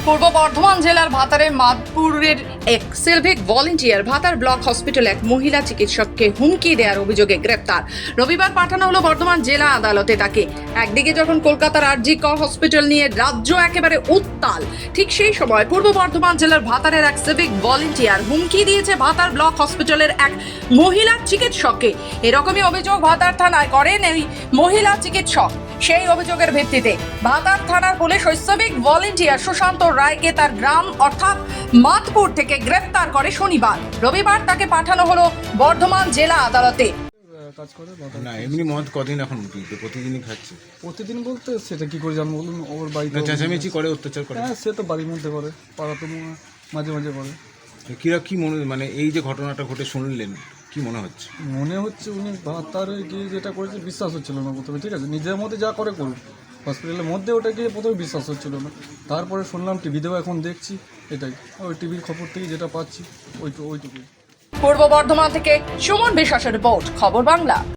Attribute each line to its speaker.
Speaker 1: পূর্ব বর্ধমান জেলার ভাতারের মাদপুরের এক সিভিক ভলেন্টিয়ার ভাতার ব্লক হসপিটালে এক মহিলা চিকিৎসককে হুমকি দেওয়ার অভিযোগে গ্রেপ্তার। রবিবার পাঠানো হলো বর্ধমান জেলা আদালতে তাকে। একদিকে যখন কলকাতার আরজি কর হসপিটাল নিয়ে রাজ্য একেবারে উত্তাল, ঠিক সেই সময় পূর্ব বর্ধমান জেলার ভাতারের এক সিভিক ভলেন্টিয়ার হুমকি দিয়েছে ভাতার ব্লক হসপিটালের এক মহিলা চিকিৎসককে। এরকমই অভিযোগ ভাতার থানায় করেন এই মহিলা চিকিৎসক। সেই অভিযোগের ভিত্তিতে ভাতার থানার পুলিশ ওই সিভিক ভলেন্টিয়ার সুশান্ত রায়কে তার গ্রাম অর্থাৎ মাদপুর থেকে গ্রেফতার করে শনিবার। রবিবার তাকে পাঠানো হলো বর্ধমান জেলা আদালতে।
Speaker 2: কাজ করে
Speaker 3: না এমনি মদ কদিন এখন প্রতিদিনই খাচ্ছে?
Speaker 2: প্রতিদিন বলতে সেটা কি করে জানবো বলুন? ওর বাড়িতে
Speaker 3: না চেঁচামেচি করে, অত্যাচার করে?
Speaker 2: হ্যাঁ, সে তো বাড়ির মধ্যে করে, পাড়াতে মাঝে মাঝে করে।
Speaker 3: কিরা কি মনে, মানে এই যে ঘটনাটা ঘটে শুনলেন, কি মনে হচ্ছে?
Speaker 2: মনে হচ্ছে উনি ভাতারে গিয়ে যেটা করেছে বিশ্বাস হচ্ছিল না প্রথমে, ঠিক আছে, নিজের মধ্যে যা করে করুন, হসপিটালের মধ্যে ওটা গিয়ে প্রথমে বিশ্বাস হচ্ছিল না। তারপরে শুনলাম টিভিতেও এখন দেখছি, এটাই ওই টিভির খবর থেকে যেটা পাচ্ছি ওইটুকুই।
Speaker 1: পূর্ব বর্ধমান থেকে সুমন বিশ্বাসের রিপোর্ট, খবর বাংলা।